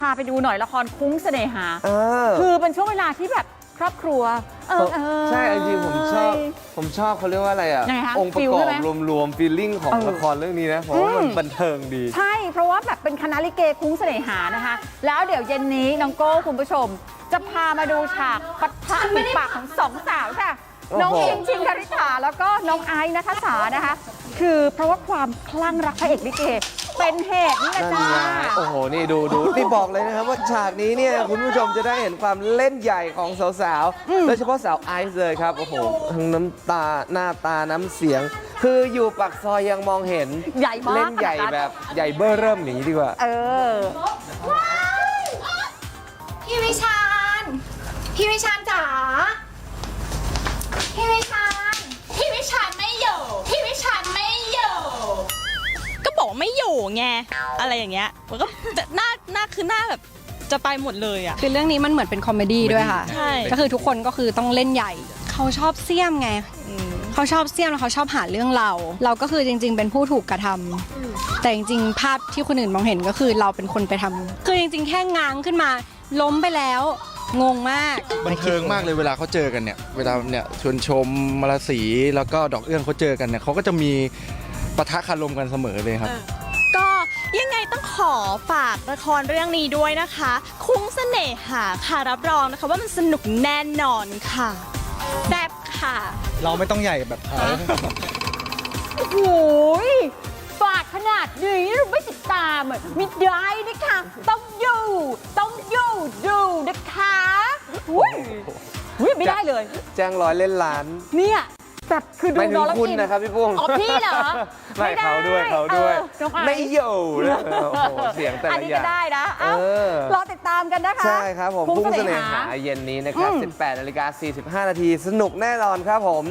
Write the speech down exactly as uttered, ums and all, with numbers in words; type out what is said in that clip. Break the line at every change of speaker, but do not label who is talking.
พาไปดูหน่อยละครคุ้งเสน่หา
เออ
คือเป็นช่วงเวลาที่แบบครอบครัวเออเออ
ใช่จริงๆผมชอบผมชอบเขาเรียกว่าอะไรอ่ะ
ยังไงคะ
องค์ประ
ฟิล
กอ
ใช่
บ
ไหม
รวมๆฟีลลิ่งของ
เออ
ละครเรื่องนี้นะเพราะว่ามัน
อืม
บันเทิงดี
ใช่เพราะว่าแบบเป็นคณะลิเกคุ้งเสน่หานะคะ แล้วเดี๋ยวเย็นนี้น้องโก้คุณผู้ชม จะพามาดูฉากปะทะฝีปากของสองสาวค่ะ
โอ้โห
น้องชิงชิงคาริษาแล้วก็น้องไอซ์นัทสานะคะ คือเพราะว่าความคลั่งรักพระเอกลิเกเป็นเหตุนี่แหละ
นั่น
จ้า
ไงโอ้โห นี่ดูดูนี่บอกเลยนะครับว่าฉากนี้เนี่ยคุณผู้ชมจะได้เห็นความเล่นใหญ่ของสาวๆ โดยเฉพาะสาวไอซ์เลยครับ โอ้โห ทั้งน้ำตาหน้าตาน้ำเสียง คืออยู่ปากซอยยังมองเห็น
ใหญ่มาก
เล่นใหญ่แบบใหญ่เบ้อเริ่มอย่างนี้ดีกว่า
เออ
พี่วิชาญ พี่วิชาญจ๋า พี่วิชาญ พี่วิชาญไม่อยู่ พี่วิชาญไม่อยู่
ก็บอกว่าไม่อยู่ไงอะไรอย่างเงี้ยมันก็จะหน้าหน้าคือหน้าแบบจะไปหมดเลยอ่ะ
คือเรื่องนี้มันเหมือนเป็นคอมเมดี้ด้วยค่ะ
ใช่
ก็คือทุกคนก็คือต้องเล่นใหญ่ เขาชอบเสี่ยมไง เขาชอบเสี่ยมแล้วเขาชอบหาเรื่องเรา เราก็คือจริง ๆ เป็นผู้ถูกกระทำแต่จริงๆ ภาพที่คนอื่นมองเห็นก็คือเราเป็นคนไปทำคือจริง ๆ แค่ง้างขึ้นมาล้มไปแล้ว งงมาก
บันเทิงมากเลยเวลาเขาเจอกันเนี่ยเวลาเนี่ยชวนชมมาลาสีแล้วก็ดอกเอื้องเขาเจอกันเนี่ยเขาก็จะมีปะทะคารมกันเสมอเลยครับ
ก็ยังไงต้องขอฝากละครเรื่องนี้ด้วยนะคะ คุ้งเสน่หาค่ะรับรองนะคะว่ามันสนุกแน่นอนค่ะแซ่บค่ะ
เราไม่ต้องใหญ่แบบเขา
โอ้โหยฝากขนาดนี้ไม่ติดตามอ่ะมิได้นะคะ ต้องอยู่ ต้องอยู่ดูนะคะอุ้ยอุ้ยไม่ได้เลย
แจ้งร้อยเล่นล้าน
เนี่ยแบบคือดู
ไม่ถึ
น้อง งแล้ว
คุณ
อิน
นะครับพี่ปุ้ง
อ๋อพี่เหรอ
ไม่เขาด้วยเขาด้วย
เออน้องไอซ์
ไม่อยู่นะโอ้โหเสียงแต่
อัน
ละ
นี้
อ
ก็
ย่าง
ได้นะเอ้า
เออ
รอติดตามกันนะคะ
ใช่ครับผม
คุ้
พุ่
ง
ง
เส
เส
น่
น่
หา
หาเย็นนี้นะครับ
อืม
สิบแปดนาฬิกาสี่สิบห้านาทีสนุกแน่นอนครับผม